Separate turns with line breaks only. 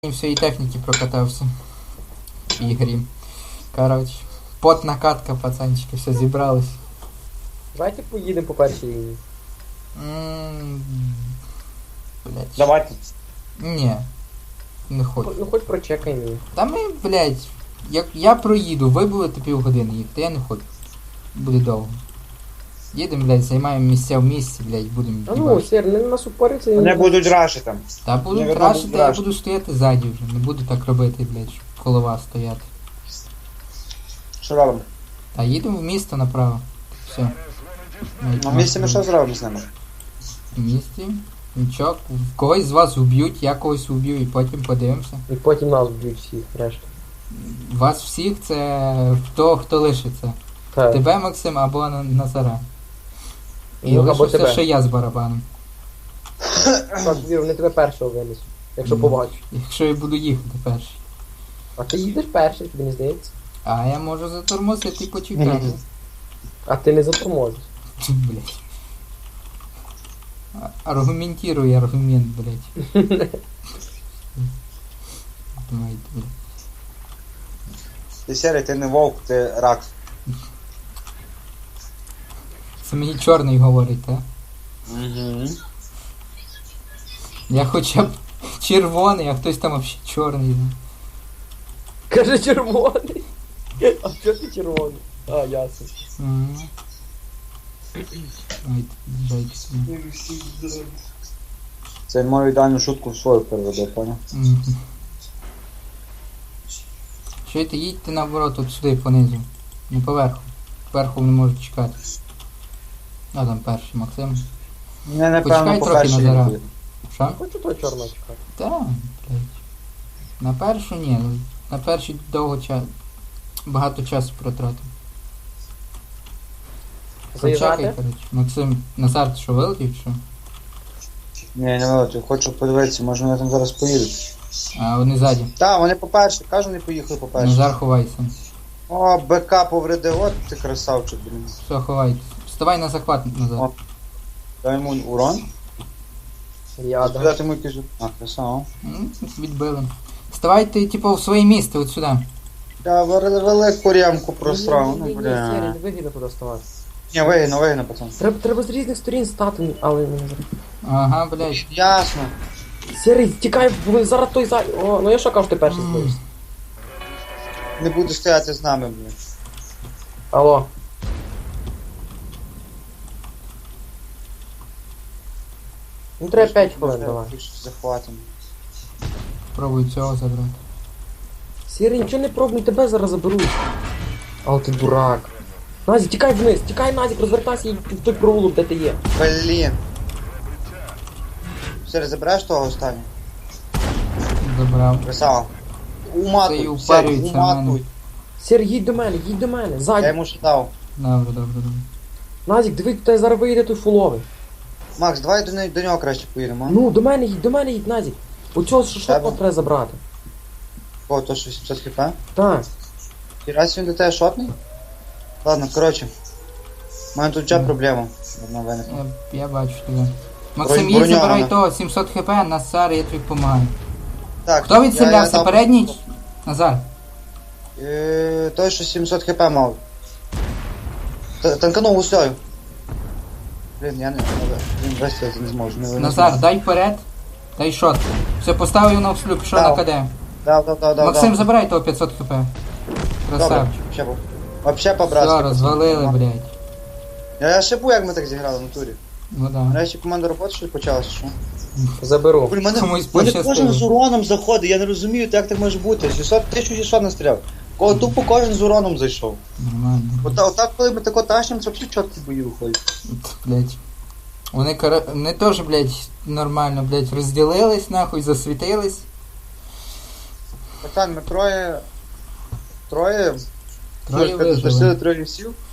всієї техніки прокатався в ігрі. Коротше, потна катка, пацанчики, все зібрались.
Давайте поїдемо по першій лінії.
Блять.
Давайте.
Ні. Не хочу.
Ну хоч прочекаємо її.
Та ми, блять, як я проїду, ви будете півгодини їхати, я не хочу. Буде довго. Їдемо, блять, займаємо місця в місці, блять, будемо
А ну, Сер, не нас упориться.
Вони будуть рашити.
Та буду
Наверно,
крашити,
будуть
я
рашити.
буду стояти ззаді вже. Не буду так робити, блять, щоб коло вас стояти.
Що робимо?
Та їдемо в місто направо. Все.
На місці ми що зробимо з ними?
В місті? Нічого. Когось з вас вб'ють, я когось вб'ю і потім подивимося.
І потім нас б'ють всіх, решта.
Вас всіх це хто лишиться.
Так.
Тебе, Максим, або Назара. І
Ну, або
лишився
тебе.
ще я з барабаном.
Так, Вір, вони тебе першого винесуть, якщо побачу.
Якщо я буду їхати перший.
А ти їдеш перший, тобі не здається?
А я можу затормозити і почекати.
А ти не затормозиш.
Блять. Аргументируй аргумент, блять. Давайте, блять.
Ти серий, ти не вовк, ти рак.
Це мені чорний говорить, так?
Угу.
Я хоча б червоний, а хтось там взагалі чорний.
Каже червоний. А що ти червоний? А, ясно.
Дайте сюди.
Це мою ідеальну шутку в свою переведе, поняв?
Чуєте, їдьте наоборот, от сюди понизу. Не поверху. Поверху не можуть чекати. А там перший Максим.
Не, напевно,
Почекай
по
трохи,
першій
Назара.
лінії.
Що?
Хочу того чорного чекати.
Та, блядь. На першу ні. На першій довго багато часу протратив. Почекай,
Заїжджати?
коротше. Максим, Назар, ти що, вилетів, чи що?
Ні, не вилетів, хочу подивитися, може вони там зараз поїдуть.
А, вони ззаді.
Так, вони по-перше, кажу, вони поїхали по-перше.
Назар, ховайся.
О, БК повредив, от ти красавчик, блін.
Все, ховайтесь. Вставай на захват, Назар.
О. Дай йому урон.
Я
Туди
да.
йому якийсь... А, красава.
Відбили. Вставайте, типу, в своє місце, от сюди.
Я велику ремку просрав, ну
Сер,
бля.
не вигідно туди ставати.
Ні, вигідно, пацан.
Треба з різних сторін стати, але не зробити.
Ага, блядь.
Ясно.
Сірий, тікай, бо зараз той за... О, ну я що кажу, ти перший стоїш.
Не буде стояти з нами, блін.
Алло. Ну треба 5 хвилин, давай.
Захватимо.
Пробуй цього забрати.
Сірий, нічого не пробуй, тебе зараз заберуть. Але ти дурак. Назік, тікай вниз, тікай, Назік, розвертайся і в той провулок, де ти є.
Блін. Все, забираєш того останнього?
Забрав.
Красава.
Це і
Уматуй, все,
упарюється в мене.
уматуй.
Сірий, їдь до мене,
Я
ззаді.
йому ще дав.
Добре.
Назік, диви, тебе зараз вийде той фуловий.
Макс, давай до нього краще поїдемо. а?
Ну, до мене їдь, Назік. Оцього шотного
Тебе?
треба забрати.
О, то що 700 хп?
Так.
І раз він до тебе шотний? Ладно, коротше. У мене тут вже проблема. Одна виникла.
Я бачу тебе. Максим, їдь,
броньована.
забирай того, 700 хп, Назар, я тобі допомагаю.
Так,
Хто відстрілявся?
дав-
Передній? Назар.
Той, що 700 хп мав. Танканув гусею. Блін, я не... Блін, весь я не зможу. Не
Назар, дай вперед. Дай шот. Все, поставив на вслюб, пішов
Дав.
на КД.
Дав.
Максим, забирай того 500 хп.
Добре,
Красавчик.
вообще по-братськи.
Все, розвалили, блядь.
Я шипу, як ми так зіграли в натурі.
Ну да.
Нарешті команда роботи щось почалася, що?
Заберу.
Блін, мене
Комусь
кожен
пощастило.
з уроном заходить, я не розумію, як так може бути. 1600 настріляв. Тупо кожен з уроном зайшов.
Нормально.
Отак, коли ми тако тащимо, це взагалі чіткі бої виходять.
Блядь. Вони теж, блядь, нормально, блядь, розділились, нахуй, засвітились.
Пацан, ми троє
Троє вижили.
Зашли троє всів.